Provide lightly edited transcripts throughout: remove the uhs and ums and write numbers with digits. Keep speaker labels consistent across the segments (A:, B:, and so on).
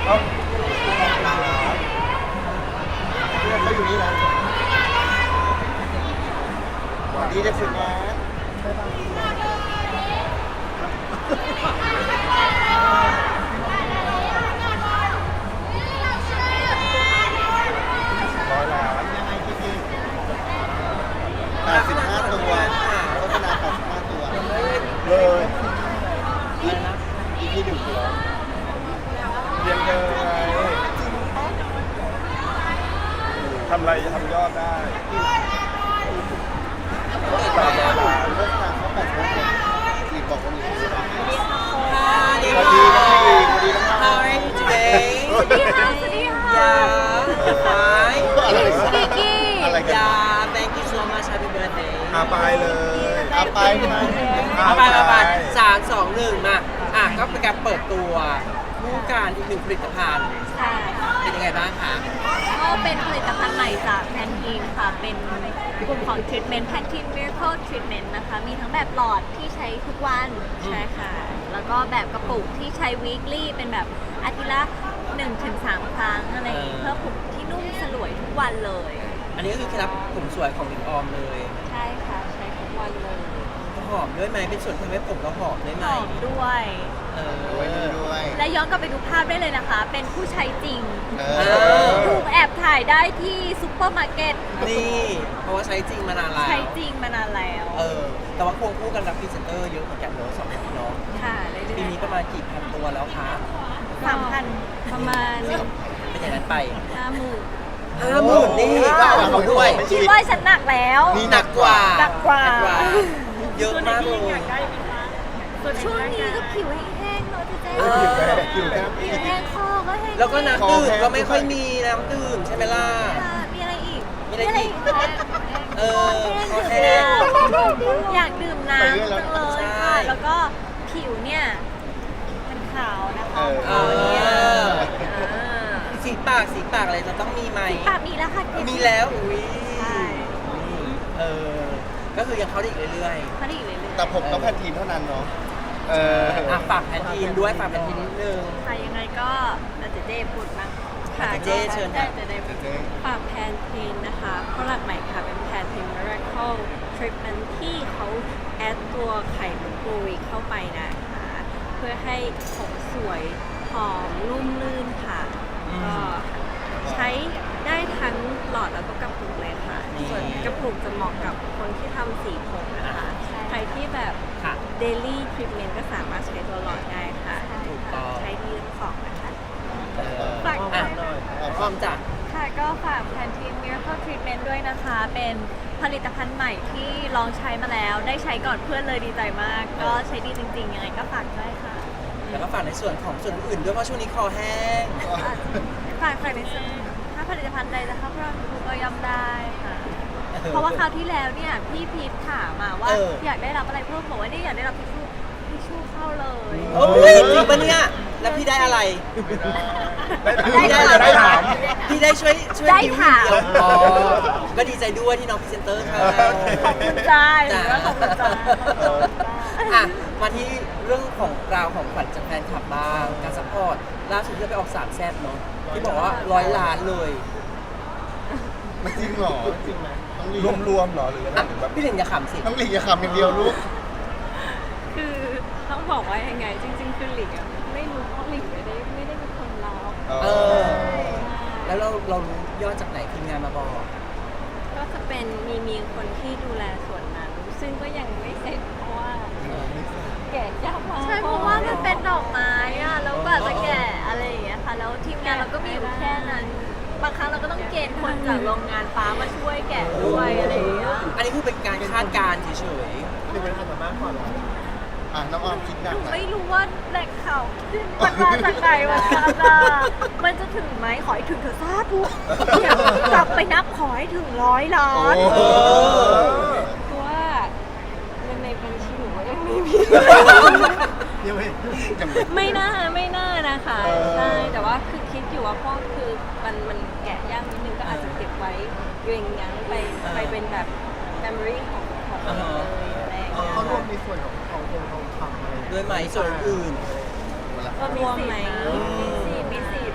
A: เขาอยู่นี่นะดีจะฝึกงาน85 ตัวโฆษณา85 ตัวเลยอีกที่หนึ่งคือเรียนเลยทำอะไรจะทำยอดได้เลิกงานเขา8 โมงอีกบอกคนอื่นสวัสดีครับสวัสดีครับ
B: How are you today?
C: สวัสดีค่ะสวัสดีค่ะ
B: Yeah, fine.
C: สกิกกี้
A: อะไรกัน
B: Yeah, thank you so much. Happy birthday.
A: ไปเลยไปไหม
B: ไป3-2-1 มาก็เป็นการเปิดตัวคู่การอีกหนึ่งผลิตภัณฑ์
C: ใช่ค่ะ
B: เป็นยังไงบ้างคะ
C: ก็เป็นผลิตภัณฑ์ใหม่จากแพนทีนค่ะ เป็นกลุ่มของทรีทเมนต์แพนทีน Miracle Treatment นะคะ มีทั้งแบบหลอดที่ใช้ทุกวัน ใช่ค่ะ แล้วก็แบบกระปุกที่ใช้ weekly เป็นแบบอาทิตย์ละ 1-3 ครั้งอะไรอย่างงี้เพื่อผมที่นุ่มสลวยทุกวันเลย
B: อันนี้ก็คือเคล็ดลับผมสวยของหลิงออมเลย
C: ใช่ค่ะ ใช้ทุกวันเลย
B: หอมด้วยไหมเป็นส่วนทำให้ผมเราหอมได้ไห
C: ห
B: ม
C: อมด้วย
A: ด้วย
C: และย้อนกลับไปดูภาพได้เลยนะคะ เป็นผู้ใช้จริง
B: อ
C: ถูกแอบถ่ายได้ที่ซุปเปอร์มาร์เก็ต
B: นี่เพราะว่าใช้จริงมานานแล้ว
C: ใช้จริงมานานแล้ว
B: แต่ว่าควงคู่กันรับพรีเซนเตอร์เยอะเหมือนกันเนอะ2 ปีเนาะ
C: ค่ะเรื่
B: ปี
C: อย
B: นี้ประมาณกี่พันตัวแล้วคะ
C: ๆ3,000ประมาณ
B: เป็นอย่างนั้นไป
C: 50,000
B: 50,000นี่ก็เอาของด้วย
C: คิดว่าฉันหนักแล้ว
B: นี่หนักกว่า
C: หนักกว่า
B: เยอะมากเลย
C: ช่วงนี้ก็ผิวแห้งๆเนอะเจ๊
A: ผิวแห้ง
C: ผิวแห้งคอก็แห้ง
B: แล้วก็น้ำดื่มก็ไม่ค่อยมีน้ำดื่มใช่ไหมล่ะ
C: ค่ะมีอะไรอีก
B: มีอะไรอีก
C: คะ
B: คอแห้ง
C: อยากดื่มน้ำจังเลย
B: ใช่
C: ค่ะ แล้วก็ผิวเนี่ยมันขาวนะคะ
B: เอ
C: ขาว
B: อ
C: เนี่ย
B: สีปากอะไรจะต้องมีไหม
C: ปากมีแล้วค่ะ
B: มีแล้วอุ้ย
C: ใช่
B: เออก็คือยังเข้าได้อีกเรื่อย
C: เขาได้อีกเลย
A: แต่ผมต้องแพนทีนเท่านั้นเนาะ
B: ฝากแพนทีนด้วยฝากแพนทีนนิดนึง
C: ค่ะยังไงก็อาจจะเจ๊พูดบ้าง
B: เจ๊เชิญค่ะ
C: จะได้ฝากแพนเทนนะคะผลิตใหม่ค่ะเป็นแพนเทน Miracle Treatment ที่เขาแอดตัวไข่มุกโกวิเข้าไปนะคะเพื่อให้ผมสวยหอมนุ่มลื่นค่ะก็ใช้ได้ทั้งหลอดแล้วก็กระปุกเลยค่ะ ส่วนกระปุกจะเหมาะกับคนที่ทำสีผมนะคะ ใครที่แบบ
B: ค่ะ
C: daily treatment ก็สามารถใช้ตัวหลอดได้ค่ะ
B: ถูกต้อง
C: ใช้ดีทั้งสองนะคะ ฝาก
B: อ่ะพร้อมจ้ะ
C: ค่ะก็ฝากแพนทีน Miracle Treatment ด้วยนะคะ เป็นผลิตภัณฑ์ใหม่ที่ลองใช้มาแล้ว ได้ใช้ก่อนเพื่อนเลยดีใจมาก ก็ใช้ดีจริงๆ ยังไงก็ฝากด้วยค่ะ
B: แล้วก็ฝากในส่วนของส่วนอื่นด้วยเพราะช่วงนี้คอแห้ง
C: ฝากในส่วนถ้าผลิตภัณฑ์ใดจะเข้าร่วมก็ย่อมได้ค่ะ เพราะว่าคราวที่แล้วเนี่ยพี่พีทถามมาว่า อยากได้รับอะไรเพิ่มบอกว่านี่อยากได้รับทิชชู่เข้าเลย
B: โอ้ยจริงปะเนี่ยแล้วพี่ได้อะไร พี่ได้อะไร
A: ได้ถาม
B: พี่ได้ช่วย
C: ได้
B: ดิว
C: ถาม
B: เดียวอ๋อก็ดีใจด้วยที่น้องพรีเซนเตอร์ค่ะ
C: ขอบคุณจ้า
B: จ้า
C: ขอบคุณจ้า
B: อ่ะมาที่เรื่องของราวของขวัญจากแฟนคลับบ้างการซัพพอร์ตล่าสุดที่เราไปออก3 แซ่บเนาะที่บอกว่า100 ล้านเลย
A: มันจริงเหรอจริงไหมรวมๆเหรอหรือ
B: อ่ะ
A: แบบ
B: พี่หลิงอย่าขำสิ
A: ต้องหลีกอย่าขำอย่างเดียวลูก
C: คือต้องบอกว่ายังไงจริงๆคือหลิงอะไม่รู้เพราะหลิงไม่ได้เป็นคนรับ
B: เออ แล้วเรารู้ยอดจากไหนทีมงานมาบอก
C: ก็จะเป็นมีคนที่ดูแลส่วนนั้น ซึ่งก็ยังไม่เสร็จเพราะว่าแกะยากมากใช่เพราะว่ามันเป็นดอกไม้อะแล้วกว่าจะแกะอะไรอย่างเงี้ยค่ะแล้วทีมงานเราก็มีอยู่แค่นั้นบางครั้งเราก็ต้องเกณฑ์คนจากโรงงานฟ้ามาช่วยแกะด้วยอะไรอย่างเงี้ย
B: อันนี้คือเป็นการคาดการณ์เฉย
A: นี่เป็นอะไรมากกว่าน้องออมคิดหนักไหม
C: ไม่รู้ว่าแหล่งข่าวมันมาจากไหนวะมันจะถึงไหมขอให้ถึงเถอะสาธุกลับไปนับขอให้ถึง100 ล้าน
A: โอ้โห
C: เพราะว่าเงินในบัญชีหนูก็ยังไม่มี
A: ยังไม่ยัง
C: ไม่น่านะคะ
A: เออ
C: ใช่แต่ว่าคือคิดอยู่ว่าก็คือมันแกะยากนิดนึงก็อาจจะเก็บไว้เรียงยั้งไปเป็นแบบ memory ของเราเลยอะไรอย่างเงี้ย
A: เขารวมในส่วนของทองคำอะไร
B: ๆด้วยไหมส่วนอื่น
C: ก็รวมไหมมีสิประ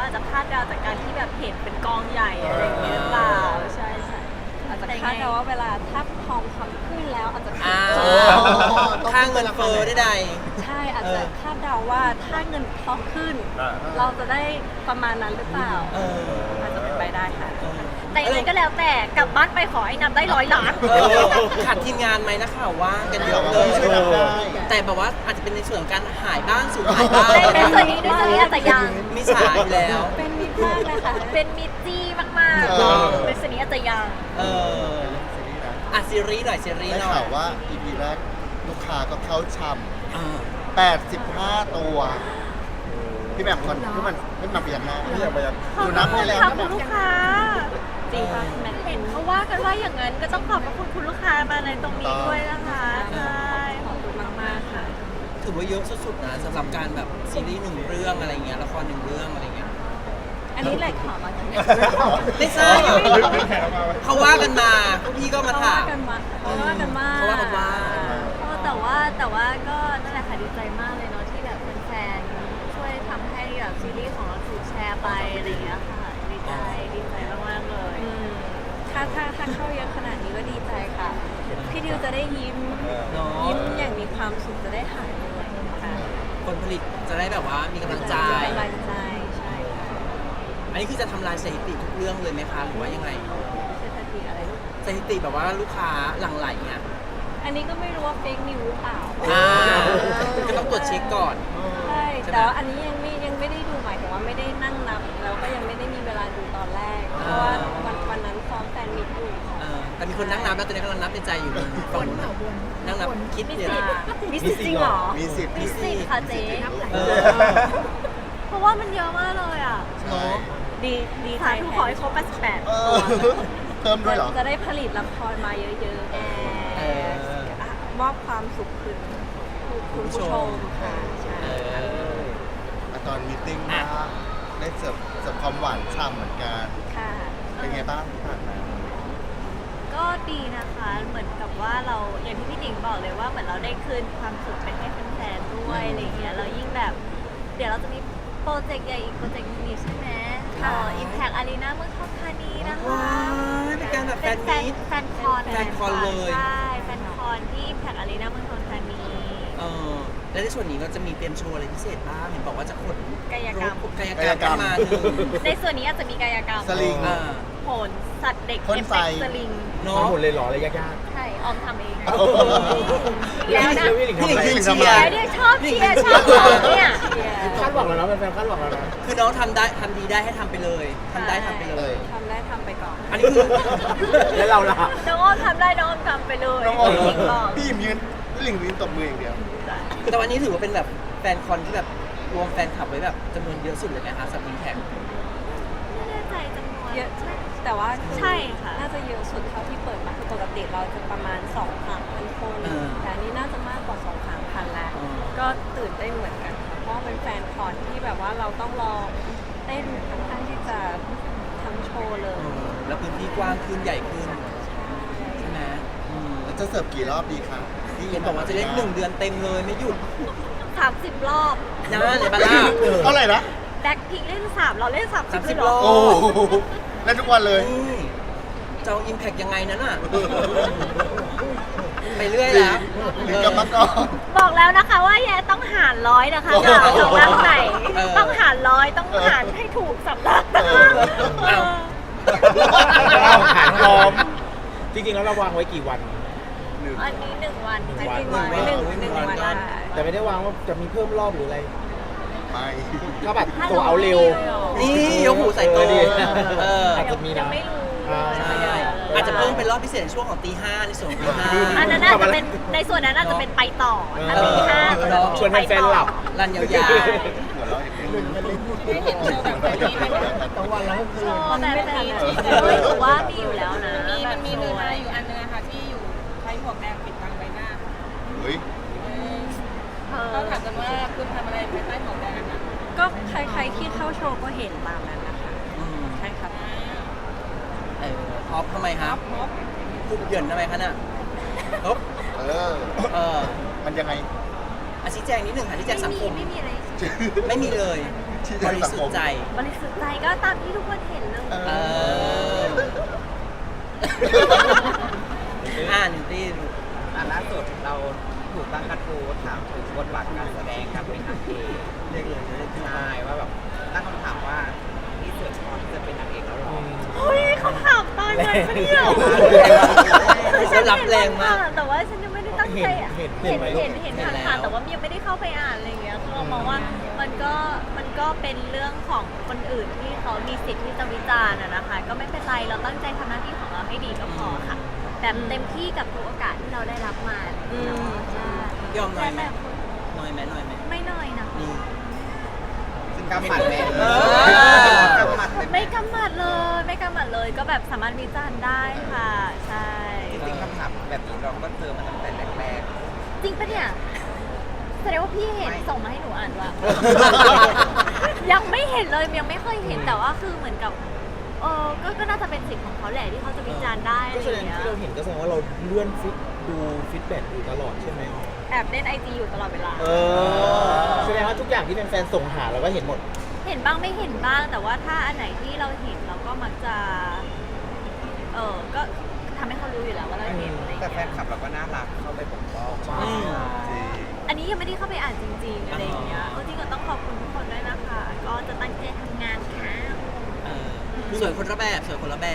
D: อาจจะคาดเดาจากการที่แบบเห็นเป็นกองใหญ่อะไรอย่างเงี้ยหรือเปล่าใช่ใช่
C: อาจจะคาดเดาว่าเวลาถ้าทองคำขึ้นแล้วอาจจะขึ้น
B: ค่าเงินเฟ้อใด
C: ใช่อาจจะคาดเดาว่าถ้าเงินทองขึ้น เราจะได้ประมาณนั้นหรือเปล่า
B: ๆ
C: อาจจะเป็นไปได้ค่ะ
D: แต่ยังไงก็แล้วแต่กลับบ้านไปขอให้นับได้100 ล้าน
B: ขาดทีมงานไหมนักข่าวว่างกันเยอะเล
A: ช่วย
B: ย
A: ทำได้
B: แต่แบบว่าอาจจะเป็นในส่วนของการหายบ้างสูญหายบ้าง
D: ในส่วนนี้อาจจะยัง
B: มีฉายอยู่แล้ว
C: เป็นมิตรมากเลยค่ะ
D: เป็นมิตรจี้มาก
A: เออ
D: ๆในส่วนนี้อาจจะยัง
B: เอออ่ะซีรีส์หน่อยซีรีส์
A: ได้
B: หน่อย
A: ข่าวว่า EP แรกลูกค้าก็เข้าช่
B: อ่า
A: ำ85 ตัว พี่แบบคนพี่มันเปลี่ยนหน้าพี่แบบดูนับให้แล้ว
D: ขอบคุณลูกค้า
C: จริงป่ะแมท
D: เห็นเขาว่ากันว่าอย่างนั้นก็ต้องขอบพระคุณคุณลูกค้ามาในตรงนี้ด้วยนะคะใช่
C: ขอบคุณมากๆค่ะ
B: ถือว่าเยอะสุดๆนะสำหรับการแบบซีรีส์หนึ่งเรื่องอะไรเงี้ยละครหนึ่งเรื่องอะไรเงี้ย
C: อันนี้แหละข่าวมาจากไหน
B: ไม่ทราบเขาว่ากันมาพวกพี่ก็มา
C: เขา
B: ถา
C: ว่าม กันมาเขาว่ากันมา
B: เขาว่ากันว่า
D: แต่ว่าก็นั่นแหละค่ะดีใจมากเลยเนาะที่แบบแฟนๆช่วยทำให้แบบซีรีส์ของเราถูกแชร์ไปอะไรอย่างเงี้ยค่ะดีใจมากๆเลย
C: อืมถ้าเข้าเยอะขนาดนี้ก็ดีใจค่ะ พี่ดิวจะได้ยิ้ม
B: เนาะ
C: ยิ้มอย่างมีความสุขจะได้หายเหนื่อยค่ะ
B: คนผลิตจะได้แบบว่ามีกำลังใจ
C: กำลังใจใช่ค่ะ
B: อันนี้คือจะทำลายสถิติทุกเรื่องเลยไหมคะหรือว่ายังไง
C: เศรษฐกิจอะไร
B: สถิติแบบว่าลูกค้าหลั่งไหลเนี่ย
C: อันนี้ก็ไม่รู้ว่าเฟกนิวหรือเปล่า
B: ก็ต้องตรวจเช็คก่อน
C: ใช่
B: ใช่ไหม
C: แต่ว่าอันนี้ยังไม่ได้ดูหมายถึงว่าไม่ได้นั่งนับแล้วก็ยังไม่ได้มีเวลาดูตอนแรก เพราะว่าวันนั้นซ้อมแฟนมิตอยู่ค่ะ
B: แต่มีคนนั่งนับแล้วตอนนี้กำลังนับในใจอยู่ฝั่งนู้นน่ะนั่งนับคิด
D: มี
B: เนี่ย
D: สิทธิ์มีสิทธิ์จริงเหรอ
A: มีสิทธิ์
D: มีสิทธิ์ค่ะเจ๊
B: เออ
D: เพราะว่ามันเยอะมากเลยอ่ะ
A: ใช่
C: ดีใจ
D: สาธุขอให้ครบ
A: เออเพิ่มด้วยเหรอ
C: จะได้ผลิตละครมาเยอะๆมอบความสุขคืนคุณผู้ชมค่ะใช่
A: ตอนมีตติ้งมาได้เสิร์ฟความหวานฉ่ำเหมือนกัน
C: ค่ะ
A: เป็นไงบ้างที่ผ่านมา
D: ก็ดีนะคะ เหมือนกับว่าเราอย่างที่พี่หนิงบอกเลยว่าเหมือนเราได้คืนความสุขไปให้แฟนๆด้วยอะไรเงี้ยเรายิ่งแบบ เดี๋ยวเราจะมีโปรเจกต์ใหญ่อีกโปรเจกต์นึงนี่ใช่ไหมImpact Arena เมืองทองธานีนะคะ
B: ว้ายเป็นการแบบแฟนมีต
D: แฟนคอน
B: แฟนคอนเลย
D: ใช่แฟนคอนที่ Impact Arena เมืองทองธานี
B: และในส่วนนี้เราจะมีเตรียมโชว์อะไรพิเศษบ้างเห็นบอกว่าจะขน
D: กายกรรม
B: กายกรรมมาหนึ่ง
D: ในส่วนนี้อาจจะมีกายกรรม
A: สลิง
D: โหนสัตว์เด็ก
A: พ่น
D: เอฟ
A: ไฟ
D: เฟกต์สลิง
B: เนาะ
E: ทำหมดเลยเหรออะไรยาก
D: ใช่ออมทำเอง
A: โอ้โห
D: แล้วนะ
E: พี่หลิง
B: พี่หลิง
E: ทำ
B: คือ
E: ไม
B: เชียร์
D: แล้วเนี่ยชอบเชียร์ชอบบอกเนี่ย
E: คาดหวังแล้วนะแฟนๆคาดหวังแล้วนะ
B: คือน้องทำได้ทำดีได้ให้ทำไปเลยทำได้ทำไปเลย
C: ทำได้ทำไปก่อน
B: อันนี้คือ
E: แล้วเราล่ะ
D: น้องอ้อมทำได้น้องอ้อมทำไปเลย
A: น้องออม
D: จริงๆบอก
A: พี่ยืนพี่หลิงยืนตบมืออย่างเดียว
B: แต่วันนี้ถือว่าเป็นแบบแฟนคอนที่แบบรวมแฟนคลับไว้แบบจำนวนเยอะสุดเลยนะคะสำหรับอินแท็ก
D: ไม่แน่ใจจำนวน
C: เยอะแต่ว่า
D: ใช่ค่ะ
C: น่าจะเยอะสุดเท่าที่เปิดมาคือปกติเราจะประมาณ2,000 คน แต่อันนี้น่าจะมากกว่า2,000 แล้ว ก็ตื่นเต้นเหมือนกันค่ะเพราะว่าเป็นแฟนคอนที่แบบว่าเราต้องรอเต้นค่อนข้างที่จะทั้งโชว์เลย
B: แล้วพื้นที่กว้างขึ้นใหญ่ขึ้นใช่ไหม
A: แล้วจะเสิร์ฟกี่รอบดีคะที่
B: เห็นบอกว่าจะเล่น1 เดือนเต็มเลยไม่หยุด
D: 30 รอบ
B: นะเลยบาร่า
A: เท่าไหร่นะ
D: แบ็คพิงเล่น3เราเล่น30
B: 30
D: เลยเห
B: ร
D: ร
B: อ
D: อ
A: โอ้โหเล่นทุกวันเลย
B: นี่จะเอาอิมแพกยังไงนั้นอ่ะ ไปเรื่อยแล้ว
A: หรือกลับมาก่อน
D: บอกแล้วนะคะว่าแย่ต้องหารร้อยนะคะ
A: โอ้โห
D: จะสำนักไหน
B: เออ
D: ต้องหารร้อยต้องหารให้ถูกสำนักนะคะ
B: เอ้า
E: เราหารพร้อม จริงๆแล้วเราวางไว้กี่วัน
D: อันนี้1 วัน
C: จริงๆ
B: หนึ่ง
C: ไว้หนึ่ง
B: วัน
C: วันได้
E: แต่ไม่ได้วางว่าจะมีเพิ่มรอบหรืออะไร
A: ไม่
E: ถ้าแบบตัวเอาเร็ว
B: นี่ยกหูใส่โต
E: ดิ
B: อาจ
E: จะมีนะ
D: ยังไม่รู้
B: ใช่อาจจะเพิ่มเป็นรอบพิเศษในช่วงของตี 5ในส่วนของตี 5
D: อันนั้นอาจจะเป็นในส่วนนั้นอาจจะเป็นไปต่อถ้าตีห้าก็จะมี
E: ชวน
D: ไป
E: แฟน
D: ต่อ
E: ๆหลับ
B: รันยาว
A: หัวเราะอย่างนี้
D: ได้เห็นโชว์แบบนี้ไหม
E: ทั้งวันแล้วก็คื
D: โช
E: น
D: ว์แบบนี้ถือว่ามีอยู่แล้วนะ
F: มันมี
D: แบบ
F: เนื้อ
D: โชว์
F: หาอยู่อันนึงนะคะที่อยู่ใช้หมวกแดงปิดบังใบหน้าค่ะ
A: เฮ้ย
F: ก็ถามกันว่าคุณทำอะไรภายใต้หมวกแดงนะ
C: ก็ใครๆที่เข้าโชว์ก็เห็นตามนั้นนะคะใช่ครับ
B: ออฟทำไมครับคุกเหยินทำไมคะน่ะอ๊อบ
A: เออ มันยังไง
B: ชี้แจงนิดหนึ่งค่ะชี้แจงสังคม
D: ไม่มีอะไร
B: ไม่มีเลย
A: ที่
B: บ
A: จะ
B: ริ
A: สัง
B: สุ
A: ค
B: ท
A: ม
B: ธิ์ใจ
D: บริสุทธิ์ใจก็ตามที่ทุกคนเห็นเลย
B: เออนิวตี้
E: ล่าสุดเราถูกตั้งกระทู้ถามถึงบทบาทการแสดงการเป็นนางเอกเรียกเลยใช่ว่าแบบตั้งคำถามว่านี่เสือพอที่จะเป็นนางเอกแล้วหรอ
D: เฮ้ยเขาถามตายเลยปะเนี่ย
B: เขารับแรงมาก
D: แต่ว่าฉันยังไม่ได้ตั้งใจอ่ะ
E: เห็น
D: เห็น
E: ไหม
D: ผ่านๆแต่ว่ายังไม่ได้เข้าไปอ่านอะไรอย่างเงี้ยคือเรามองว่ามันก็เป็นเรื่องของคนอื่นที่เขามีสิทธิ์ที่จะวิจารณ์อะนะคะ ก็ไม่เป็นไรเราตั้งใจทำหน้าที่ของเราให้ดีก็พอค่ะแบบเต็มที่กับทุกโอกาสที่เราได้รับมาใช่
B: ยอมหน่อยไหม
D: แต่
B: น้อยไหมน้อยไหม
D: ไม่น้อยนะ
B: นี่
E: ซึ่งกำหมัดแม่
B: เออ
E: กำหมัดเลย
D: ไม่กำหมัดเลยก็แบบสามารถวิจารณ์ได้ค่ะใช่
E: จริงๆคำถามแบบนี้เราก็เจอมาตั้งแต่แรก
D: จริงปะเนี่ยแสดงว่าพี่เห็นส่งมาให้หนูอ่านว่ะ ยังไม่เห็นเลยยังไม่เคยเห็นแต่ว่าคือเหมือนกับก็น่าจะเป็นสิทธิ์ของเขาแหละที่เขาจะวิจารณ์ได้อะ
E: ก็
D: ไร
E: แส
D: อ
E: ดง
D: ย่างเงี้ย
E: ที่เราเห็นก็แสดงว่าเราเลื่อนดูฟีดแบ็กอยู่ตลอดใช่ไหม
D: แอบเล่นไอจีอยู่ตลอดเวลา
E: แสดงว่าทุกอย่างที่แฟนๆส่งหาเราก็เห็นหมด
D: เห็นบ้างไม่เห็นบ้าง แต่ว่าถ้าอันไหนที่เราเห็นเราก็มักจะก็ทำให้เขารู้อยู่แล้วว่าเราเห็นอะไรอย่าง
E: แต่แฟ
D: เงี้
E: น
D: ย
E: คลับเราก็น่ารักเข้าไปปกป้อง
B: อืม
D: อันนี้ยังไม่ได้เข้าไปอ่านจริงๆอะไรอย่างเงี้ยจริงก็ต้องขอบคุณทุกคนด้วยนะคะ ก็จะตั้งใจทำงานค่ะ
B: เออสวยคนละแบบสวยคนละแบบ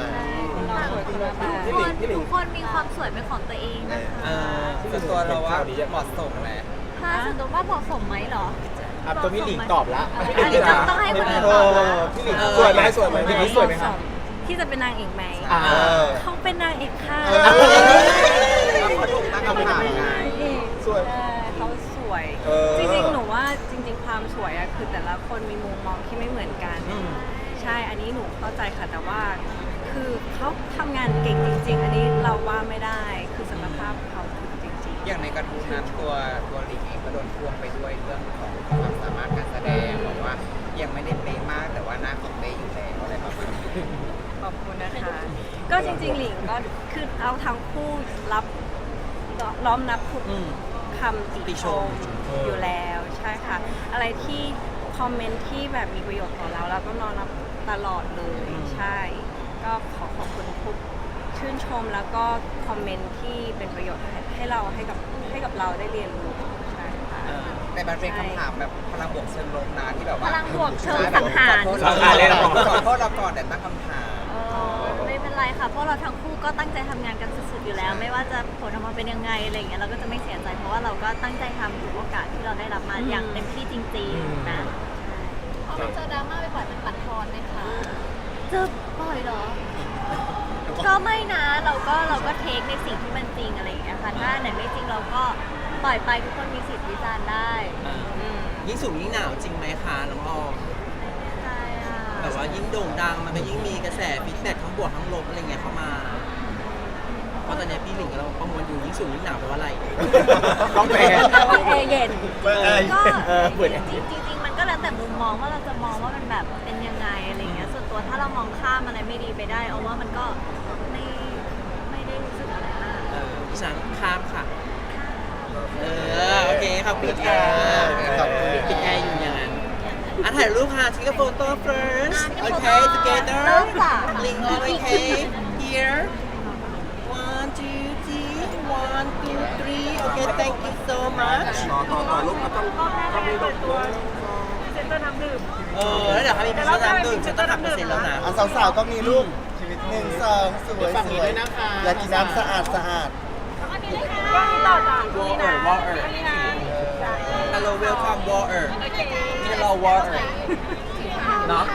D: ทุกคนมีความสวยเป็นของตัวเองนะคะ
B: เออ
E: ส่วนตัวเราว่าเหมาะสมแหละ
D: ถ้าส่วนตัวว่าเหมาะสมไหมเหรอ
E: ตัวพี่หลิงตอบละ
D: อันนี้ต้องให้คนอื่นตอบละ
E: พี่หลิงสวยไหมสวยไหมพี่หลิงสวยไหมครับ
C: ที่จะเป็นนางเอกไหม
E: อ่า
C: เขาเป็นนางเอกค่ะ
E: เขาถูกตั้งคำถามไง
C: สวยเขาสวย จริงๆ หนูว่าจริง ๆ ความสวยอะคือแต่ละคนมีมุมมองที่ไม่เหมือนกัน ใช่ อันนี้หนูเข้าใจค่ะ แต่ว่าคือเขาทำงานเก่งจริง ๆ อันนี้เราว่าไม่ได้ คือศักยภาพเขาคือจริง
E: อย่างในกระทู้นั้นตัวหลิงเองก็โดนพ่วงไปด้วยเรื่องของความสามารถการแสดงบอกว่ายังไม่ได้เป๊ะมากแต่ว่าหน้าของเป๊ะอยู่แล้วอะไรประมาณนี้
C: ๆ ขอบคุณนะคะ ก็จริง ๆ หลิงก็คือเอาทั้งคู่รับล้อมนับทุก
B: อืม
C: คำติ
B: ติช
C: ช
B: ม
C: มอยู่แล้วใช่ค่ะ อะไรที่คอมเมนต์ที่แบบมีประโยชน์ต่อเราเราก็นอนรับตลอดเลยใช่ ก็ขอขอบคุณทุกชื่นชมแล้วก็คอมเมนต์ที่เป็นประโยชน์ให้เราให้กับเราได้เรียนรู้ใช่ค่ะ
E: แต่มันเป็นคำถามแบบพลังบวกเชิงลบนะที่แบบ
D: พ
E: ว่า
D: ลังบวกเชิงสังหาร
E: สังหารเลยเหรอขอโทษเราก่อนแต่ตั้งคำถาม
D: ไม่เป็นไรค่ะเพราะเราทั้งคู่ก็ตั้งใจทำงานกันสุดๆอยู่แล้ว ไม่ว่าจะผลออกมาเป็นยังไงอะไรอย่างเงี้ยเราก็จะไม่เสียใจเพราะว่าเราก็ตั้งใจทำทุกโอกาสที่เราได้รับมาอย่างเต็มที่จริงๆนะ
F: พอมันเจอดราม่าไปบ่อยมันบั่นทอนไหมคะ
D: จะปล่อยเหรอ ก็ไม่นะเราก็เทคในสิ่งที่มันจริงอะไรอย่างเงี้ยค่ะถ้าไหนไม่จริงเราก็ปล่อยไปทุกคนมีสิทธิ์วิจารณ์ได้
B: ยิ่งสูงยิ่งหนาวจริงไหมคะน้องออม
D: ใช่ค่ะ
B: แบบว่ายิ่งโด่งดังมันก็ยิ่งมีกระแสฟีดแบ็กทั้งบวกทั้งลบอะไรเงี้ยเข้ามาเพราะตอนนี้พี่หลิงกับเราประมวลอยู่ยิ่งสูงยิ่งหนาวแปลว่าอะไร
E: ต้องแปล
C: แต่ว่าแอร์เย็น
D: ก็
E: เปิด
D: จริงๆมันก็แล้วแต่มุมมองว่าเราจะมองว่ามันแบบเป็นยังไงอะไรเงี้ยส่วนตัวถ้าเรามองข้ามอะไรไม่ดีไปได้เอาว่ามันก็ไม่ได้รู้สึกอะไรมาก
B: ดิฉันข้ามค่ะ โอเคขอบคุณค่ะ
A: ขอบคุณ
B: ปิดแอร์อยู่อย่างนั้นถ่ายรูปค่ะ take a photo first okay together
D: เริ่มค่ะ
B: link all okay here 1 2 3 1 2 3 okay thank you so much
A: ต่อลูกก็ต้องมีดอกตัว
B: แล้วเดี๋ยวถ้ามีพิซซ่าน้ำดื่มฉันต้องหักเปอร์เซ็นต์แล้วนะ
A: สาวๆก็มีลูก1 2สวยสวยอยากกินน้ำสะอาดสะอาด
B: water hello welcome water นี่เรา water เนาะ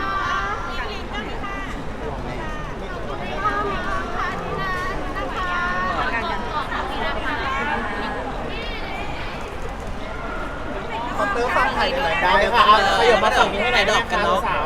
A: คอมเตอร์ฟังไทยหน่อย
E: ได้ค่ะเอาขยับมาฝั่งนี้ให้หน่อยได้ไหมคะสาว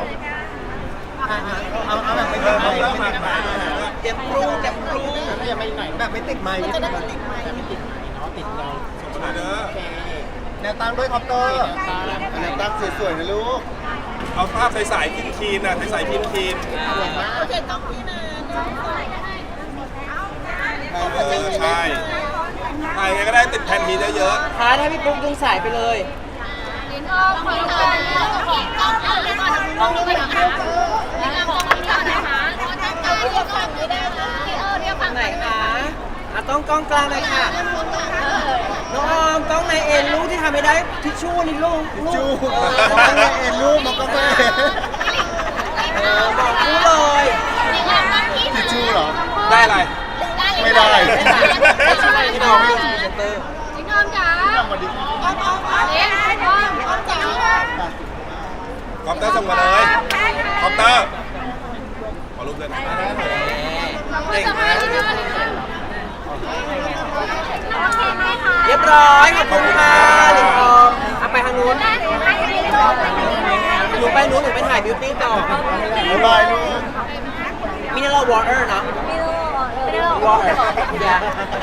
A: เอาแบบไปเดินมา
B: เตรียมปรุงเตรียมปรุง
E: ขยับมาอีกหน่อย
A: แบบไม่ติดไม้
E: จะได้ไม่ติดไม้ไม่ติดไม้เนาะติดเราส่งมาเด้อโอเค
A: แนวตั้งด้วยคอมเตอร์แนวตั้งสวยๆนะลูก
G: เอาภาพใสๆคีนๆนะใสๆคีน
F: โอเคต้องพี่นะ
G: ใช่ถ่ายไงก็ได้ติดแผ่นมีเยอะ
B: ท้าถ้าพี่ปุ๊กดึงสายไปเลย
F: ลิ้นอ
B: ไหนคะต้องกล้องกลางเลยค่ะน้องออมกล้องในเอ็นลูกที่ทำไม่ได้ทิชชู่นี่ลูก
A: จูต้องให้เอ็นรูปมันก็ไม่
B: บอกลูกเลย
A: ทิชชู่เหรอ
G: ได้อะไร
A: ไม่ได้
B: พี่น้องพี่เซนเตอร์
A: พี่น้องมาดิ
G: คอปเตอร์ส่งมาเลยคอปเตอร์ขอรูปด้วยนะ
B: เก่งมากเรียบร้อยขอบคุณค่ะหลิงทองเอาไปทางนู้นหนูไปนู้นหนูไปถ่ายบิวตี้ต่อ
A: บ๊ายบายลูก
B: มิเนอรัลวอเตอร์เนาะ
D: ไม่รู้
B: วอเตอร์